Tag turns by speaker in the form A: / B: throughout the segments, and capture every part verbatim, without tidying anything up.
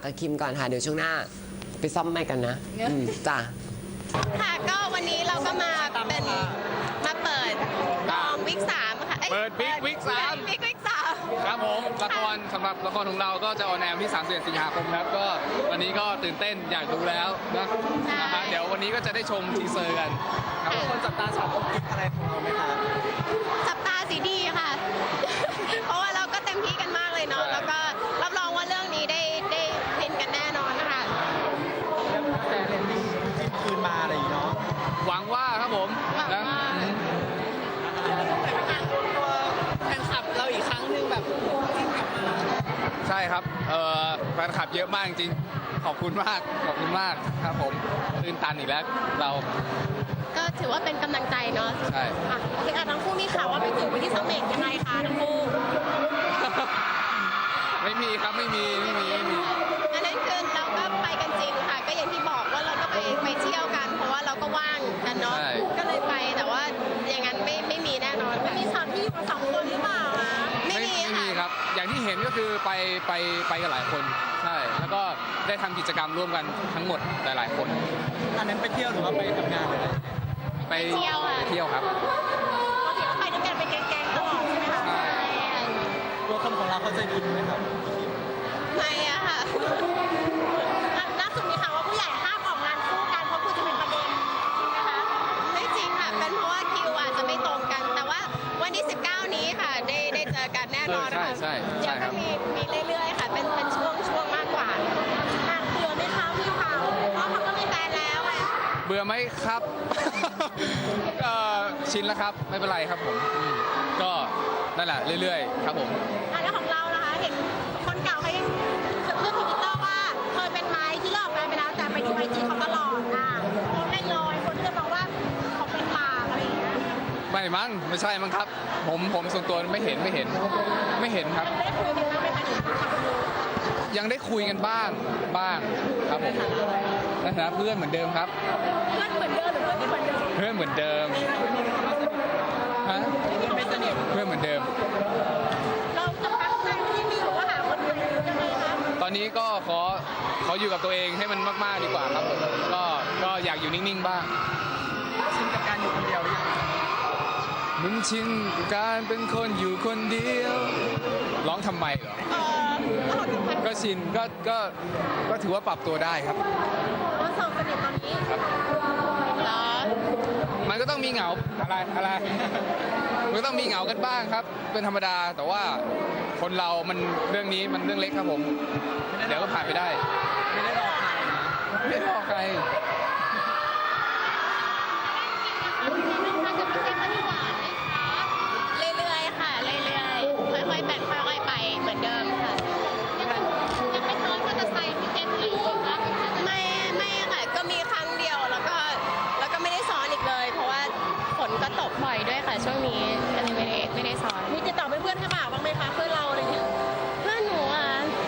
A: อ่ะคิมก่อนค่ะเดี๋ยวช่วงหน้าไปซ่อมไมค์กันนะอืมจ้ะ
B: ค่ะก็วันนี้เราก็มาเป็นมาเปิดกองวิกสามค่ะอ้ย
C: เปิดวิกวิกสาม
B: วิกวิกสาม
C: ครับผมละครสำหรับละครของเราก็จะออนแอร์วันที่สามสิบเอ็ดสิงหาคมครับก็วันนี้ก็ตื่นเต้นอยากดูแล้วนะนะฮะเดี๋ยววันนี้ก็จะได้ชมทีเซอร์กันครับคนจับตาสาวกิ๊กอะไรของเราไหมครับ
B: จับตาสีดีค่ะ เพราะว่าเราก็เต็มที่กันมากเลยเนาะแล้วก็รับรองว่าเรื่องนี้ได้ได้ฟินกันแน่นอนนะคะ
D: แต่เรนนี่คืนมาอะไรอย่างเงี้ยเนาะ
C: หวังว่าครับผม
B: หวัง
C: นะ
B: ว่า
D: ตัวแฟนคลับเราอีกครั้งหนึ่งแบบ
C: ใช่ครับเอ่อแฟนคลับเยอะมากจริงๆขอบคุณมากขอบคุณมากครับผมตื่นตันอีกแล้วเรา
B: ก็ถือว่าเป็นกำลังใจเนาะ
C: ใช่
B: อ่ะคือทั้งคู่มีข่าวว่าไปถึงวันที่สำเร็จยังไงคะทั้งคู่
C: ไม่มีครับไม่มีไม่มีไม่มี
B: อันนั้นคือเราก็ไปกันจริงค่ะ ก็อย่างที่บอกว่าเราก็ไปไปเที่ยวกัน เพราะว่าเราก็ว่างกันเนาะก็เลยไปแต่ว่าอย่างนั้นไม่ไม่มีแน่นอนมีฉากที่อยู่กันสองคนหรือเปล่าคะไม่
C: ไม่
B: มี
C: ไม่มี
B: ค่ะ
C: ครับ อย่างที่เห็นก็คือไปไปไปกันหลายคนใช่แล้วก็ได้ทำกิจกรรมร่วมกันทั้งหมดหลายๆคน
D: อันนั้นไปเที่ยวหรือว่าไปทำงานเลย
C: ไปเที่ยวครับ
B: ปกติก็ไปด้วยกันเป็นแก๊งๆตลอดใช่ไหมคะ
C: ใช่
D: ตัวคนของเราเขาใจดีไหมครับ
B: ไม่อะค่ะล่าสุดมีข่าวว่าผู้ใหญ่ห้ามออกงานคู่กันเพราะคุณจะเป็นประเด็นนะคะไม่จริงค่ะเป็นเพราะว่าคิวอาจจะไม่ตรงกัน แต่ว่าวันที่สิบเก้านี้ค่ะได้ได้เจอกันแน่นอนนะคะ
C: ใช่ใช่ใช่
B: เดี๋ยว
C: ครั
B: ก็
C: บ
B: มีมีเรื่อยๆค่ะเป็นเป็นช่วงช่วงมากกว่าหนักเบื่อไหมคะพี่เขาเพราะเขาก็มีแฟนแล้วอะ
C: เบื่อไหมครับ เอ่อชินแล้วครับไม่เป็นไรครับผมอืมก็นั่นแหละเรื่อยๆ ครับผม
B: อ่ะแล้วของเรานะคะเห็นคนเก่าเขายังเพื่อนทวิตเตอร์ว่าเคยเป็นไม้ที่เลิกกันไปแล้วแต่ไปดูไอจีเขาตลอดอ่ะโพสต์ได้ลอยคนก็จะบอกว่าเขาเป็นหมากอะไรอย่างเงี้ย
C: ไม่มั้งไม่ใช่มั้งครับ ผมผมส่วนตัวไม่เห็นไม่เห็น ไม่เห็นครับ
B: ได้คุยกันบ้างไหมคะถึงความรู้
C: ยังได้คุยกันบ้างบ้างครับผมนะฮะเพื่อนเหมือนเดิมครับ
B: เพื่อนเหมือนเดิมหรือเพื่อนที่เหมือนเดิม
C: เพื่อนเหมือนเดิมฮะ
D: ไม่สนิท
C: เพื่อนเหมือนเดิม
B: เราจะพักใจที่มีหรือว่าหาคนอื่นยังไงคะ
C: ตอนนี้ก็ขอขออยู่กับตัวเองให้มันมากๆดีกว่าครับผมก็ก็อยากอยู่นิ่งๆบ้าง
D: ชินกับการอยู่คนเดียวหรือยัง
C: มึงชินกับการเป็นคนอยู่คนเดียว ร้องทำไมเหรอ
B: เออแล้วเราถึงพัน
C: ก็ชินก็ก็ก็ถือว่าปรับตัวได้ครับ
B: ว่าสองสนิทตอนนี้เหรอ
C: มันก็ต้องมีเหงาอะไรอะไร มันก็ต้องมีเหงากันบ้างครับ เป็นธรรมดาแต่ว่าคนเรามันเรื่องนี้มันเรื่องเล็กครับผม เดี๋ยวก็ผ่านไปได้
D: ไม่ได้รอใครนะ
C: ไม่ได้รอใคร
B: เรื่อยๆค่ะเรื่อยๆค่อยๆเป็นค่อยๆไปเหมือนเดิมค่ะยังไม่ซ้อนมอเตอร์ไซค์พี่เจนเลยไม่ไม่ค่ะก็มีครั้งเดียวแล้วก็แล้วก็ไม่ได้ซ้อนอีกเลย เพราะว่าฝนก็ตกบ่อยด้วยค่ะช่วงนี้ก็เลยไม่ได้ไม่ได้ซ้อนมีติดต่อเพื่อนๆข้างหลังบ้างไหมคะเพื่อนเราอะไรเงี้ยเพื่อนหนูอ่ะ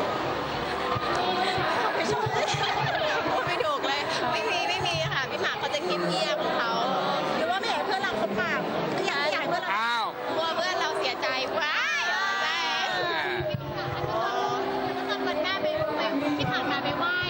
B: ไม่ชอบพูดไม่ถูกเลยไม่มีไม่มีค่ะพี่หมากเขาจะเงียบๆของเขาหรือว่าไม่อยากให้เพื่อนเราเขาปากอยากอยากให้เพื่อนเรา
C: อ้าว
B: กลัวเพื่อนเราเสียใจว้ายใช่ตอนวันแม่ไปไปที่ผ่านมาไปไหว้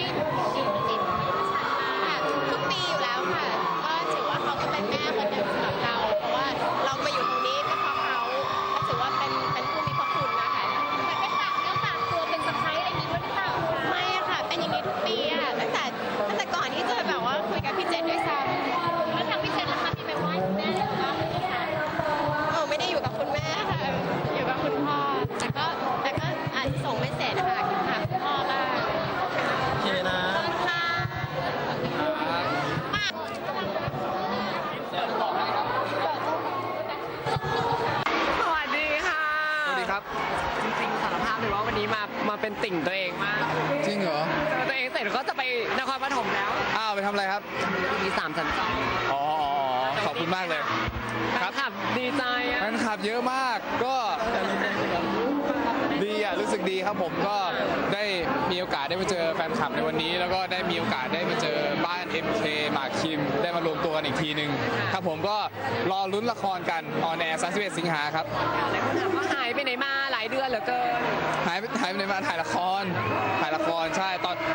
B: ทุกปีอยู่แล้วค่ะ ก็ถือว่าเขาก็เป็นแม่คนหนึ่งสำหรับเรา เพราะว่าเรามาอยู่ตรงนี้ก็เพราะเขาก็ถือว่าเป็นเป็นผู้มีพระคุณนะคะแต่ไปฝากเนื้อฝากตัวเป็นสะพ้ายอะไรอย่างนี้ด้วยหรือเปล่าไม่อะค่ะ เป็นอย่างนี้ทุกปีอะตั้งแต่ตั้งแต่ก่อนที่จะแบบว่าคุยกับพี่เจนด้วยซ้ำแล้วทางพี่เจนล่ะคะที่ไปไหว้คุณแม่หรือเปล่า เออไม่ได้อยู่กับคุณแม่ค่ะ อยู่กับคุณพ่อ แต่ก็แต่ก็อาจจะส่งไม่เสร็จนะคะหาคุณพ่อบ้าง
D: โอเคนะ
B: ค่ะมากสวัสดีค่ะ
C: สวัสดีครับ
A: จริงๆสารภาพเลยว่าวันนี้มามาเป็นติ่งตัวเองมาก
C: จริงเหรอ
A: เจอตัวเองเสร็จก็จะไปนครปฐมแล้ว
C: อ้าวไปทำอะไรครับ
A: มีสามสันสอง
C: อ๋ออ๋ออ๋อขอบคุณมากเลย ครับ
A: ขับดีใจอ่ะ
C: แฟนคลับเยอะมากก็ดีอ่ะรู้สึกดีครับผมก็ได้มีโอกาสได้มาเจอแฟนคลับในวันนี้ แล้วก็ได้มีโอกาสได้มาเจอบ้าน เอ็ม เค หมากคิม ได้มารวมตัวกันอีกทีหนึ่งครับผมก็รอลุ้นละครกันออนแอร์สามสิบเอ็ดสิงหาครับ
A: หลายคนถามว่าหายไปไหนมาหลายเดือนเหลือเกิน
C: หายไปหายไปไหนมาถ่ายละครถ่ายละครใช่ตอน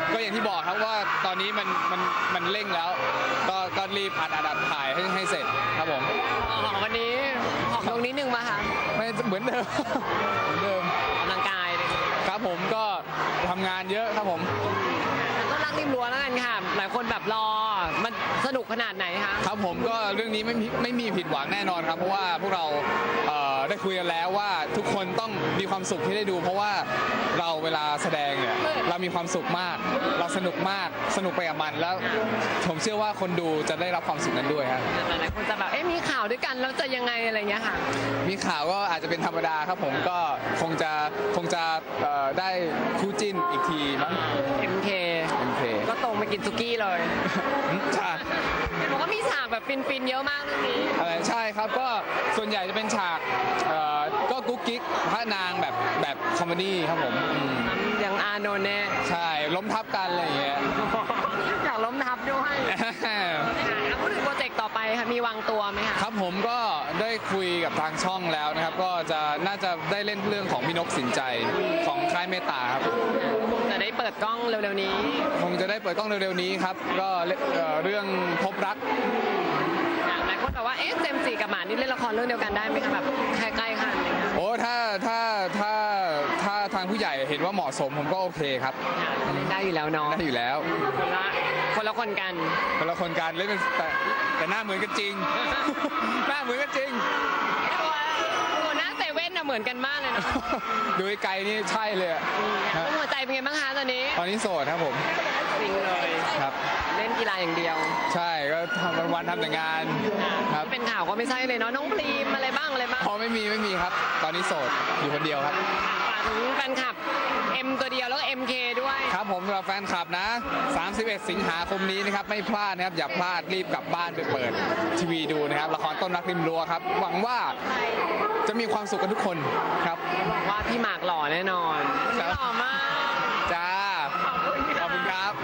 C: มันมันเร่งแล้ว ก็ก็รีบอัดอัดอัดถ่ายให้ให้เสร็จครับผม
A: อ๋อวันนี้ออกลงนิดนึงมาค่ะ
C: ไม่เหมือนเดิม เหมือนเดิม
A: ออกกำลังกายเลย
C: ครับผมก็ทำงานเยอะครับผม
A: ก็รักริมรั้วแล้วกันค่ะ หลายคนแบบรอ มันสนุกขนาดไหนคะ
C: ครับผมก็เรื่องนี้ไม่มีไม่มีผิดหวังแน่นอนครับ เพราะว่าพวกเราเอ่อได้คุยกันแล้วว่าทุกคนต้องมีความสุขที่ได้ดู เพราะว่าเราเวลาแสดงเนี่ยเรามีความสุขมาก เราสนุกมากสนุกไปกับมันแล้ว ผมเชื่อว่าคนดูจะได้รับความสุขนั้นด้วยครับ
A: หลายคนจะแบบ เอ๊ะมีข่าวด้วยกันแล้วจะยังไงอะไรเงี้ยค่ะ
C: มีข่าวก็อาจจะเป็นธรรมดาครับผมก็คงจะคงจะเอ่อได้คู่จิ้นอีกทีมั้ง
A: เอ็ม เค
C: โอเค
A: ก็ตรงไปกินซุกี้เลย
C: ใช่
A: เห็นบอกว่ามีฉากแบบฟินๆเยอะมากเรื่องนี้
C: อะไรใช่ครับก็ส่วนใหญ่จะเป็นฉากเอ่อก็กุ๊กกิ๊กพระนางแบบแบบคอมเมดี้ครับผมอืม
A: อย่างอานนท์เนี่ย
C: ใช่ล้มทับกันอะไรอย่างเงี้ย
A: อยากล้มทับด้วยค่ะแล้วพูดถึงโปรเจกต์ต่อไปค่ะ มีวางตัวไหมคะ
C: ครับผมก็ได้คุยกับทางช่องแล้วนะครับ ก็จะน่าจะได้เล่นเรื่องของพี่นกสินใจของค่ายเมตตาครับ
A: จะได้เปิดกล้องเร็วๆนี้
C: คงจะได้เปิดกล้องเร็วๆนี้ครับ ก็เอ่อเรื่องพบรัก
A: หลายคนแบบว่า เอ๊ะเจมส์จีกับหมานี่เล่นละครเรื่องเดียวกันได้ไหมคะแบบใกล้ๆกันอะไรเงี้ย
C: โอ้ถ้าถ้าถ้าถ้าทางผู้ใหญ่เห็นว่าเหมาะสมผมก็โอเคครับ
A: เล่นได้อยู่แล้วเนาะ
C: ได้อยู่แล้ว
A: คนละคนละคนกัน
C: คนละคนกันเล่นเป็นแต่แต่หน้าเหมือนกันจริง หน้าเหมือนกันจริง
A: ตัวตัวหน้าเซเว่นน่ะเหมือนกันมากเลยนะ
C: ดูไกลๆนี่ใช่เลยอะฮะ
A: หัวใจเป็นไงบ้างคะตอนนี้
C: ตอนนี้โสดครับผม
A: จริงเลย
C: ครับ
A: เล่นกีฬาอย่างเดียว
C: ใช่ก็ทำวันๆทำแต่งานครับ
A: ที่เป็นข่าวก็ไม่ใช่เลยเนาะน้องพรีมอะไรบ้างอะไรบ้าง
C: พอไม่มีไม่มีครับ ตอนนี้โสดอยู่คนเดียวครับ
A: ฝากถึงแฟนคลับ M ตัวเดียวแล้วก็ เอ็ม เค ด้วย
C: ครับผมสำหรับแฟนคลับนะ สามสิบเอ็ด สิงหาคมนี้นะครับไม่พลาดนะครับอย่าพลาดรีบกลับบ้านไปเปิดทีวีดูนะครับละครต้นรักริมรั้วครับหวังว่าจะมีความสุขกันทุกคนครับ
A: บอกว่าพี่หมากหล่อแน่นอน
C: ครับ
A: หล่อมาก
C: จ้าขอบคุณครับ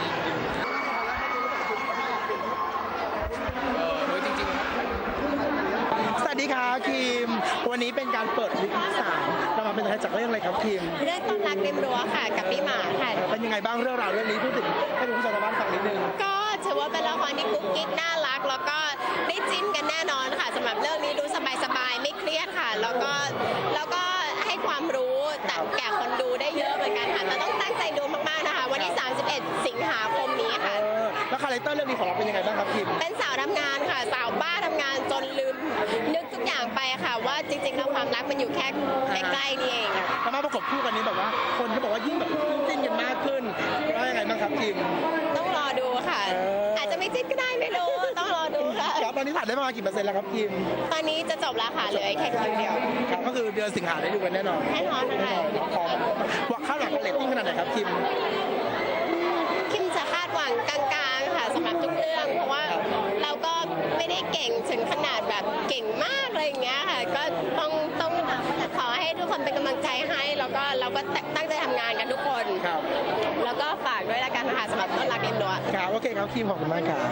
C: เออเฮ้ยจริงๆ
D: สวัสดีครับคิม วันนี้เป็นการเปิดวิกที่สามเรามาเป็นตัวแทนจากเรื่องอะไรครับคิม
B: เรื่องต้นรักริมรั้วค่ะกับพี่หมาค่ะ
D: เป็นยังไงบ้างเรื่องราวเรื่องนี้พูดถึงให้คุณผู้ชมทางบ้านฟังนิดนึง
B: ก็ถือว่าเป็นละครที่กุ๊กกิ๊กน่ารัก แล้วก็ได้จิ้นกันแน่นอนค่ะสำหรับเรื่องนี้ดูสบายๆไม่เครียดค่ะ แล้วก็แล้วก็ให้ความรู้แต่แก่คนดูได้เยอะเหมือนกันค่ะแต่ต้องตั้งใจดูมากๆนะคะ วันที่ สามสิบเอ็ด สิงหาคมนี้ค่ะ
D: เออแล้วคาแรคเตอร์เรื่องนี้ของเราเป็นยังไงบ้างครับคิม
B: เป็นสาวทำงานค่ะ สาวบ้าทำงานจนลืมนึกทุกอย่างไปค่ะ ว่าจริงๆแล้วความรักมันอยู่แค่ใกล้ๆนี่เองอะ
D: แล้วมาประกบคู่กันนี้แบบว่า คนก็บอกว่ายิ่งแบบจิ้นกันมากขึ้นว่ายังไงบ้างครับคิม
B: ต้องรอดูค่ะ
D: เอออ
B: อาจจะไม่จิ้นก็ได้ไม่รู้ต้องรอดูค่ะ
D: ครับตอนนี้ถ่ายได้ประมาณกี่เปอร์เซ็นต์แล้วครับคิม
B: ตอนนี้จะจบแล้วค่ะเหลือแค่คิวเดียว
D: ครับก็คือเดือนสิงหาได้ดูกันแน่นอน
B: แน่นอนค่ะ
D: ครับว่าคาดหวังเรตติ้งขนาดไหนครับคิม
B: คิมจะคาดหวังกลางๆค่ะสำหรับทุกเรื่อง เพราะว่าเราก็ไม่ได้เก่งถึงขนาดแบบเก่งมากอะไรอย่างเงี้ยค่ะ ก็ต้องต้องขอให้ทุกคนเป็นกำลังใจให้ แล้วก็เราก็ตั้งใจทำงานกันทุกคน
D: ครับ
B: แล้วก็ฝากด้วยละกันค่ะสำหรับต้นรักเอ็มดัว
D: ครับโอเคครับคิมขอบคุณมากครับ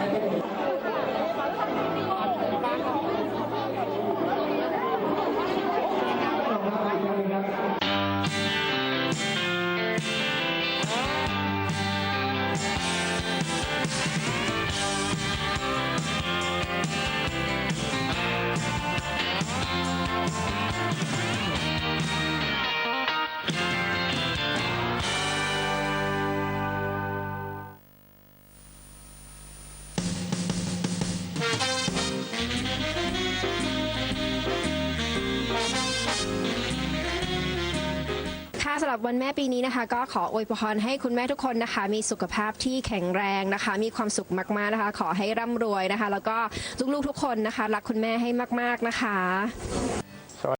E: ค่ะสำหรับวันแม่ปีนี้นะคะ ก็ขออวยพรให้คุณแม่ทุกคนนะคะ มีสุขภาพที่แข็งแรงนะคะ มีความสุขมากๆนะคะ ขอให้ร่ำรวยนะคะ แล้วก็ลูกๆทุกคนนะคะ รักคุณแม่ให้มากๆนะคะ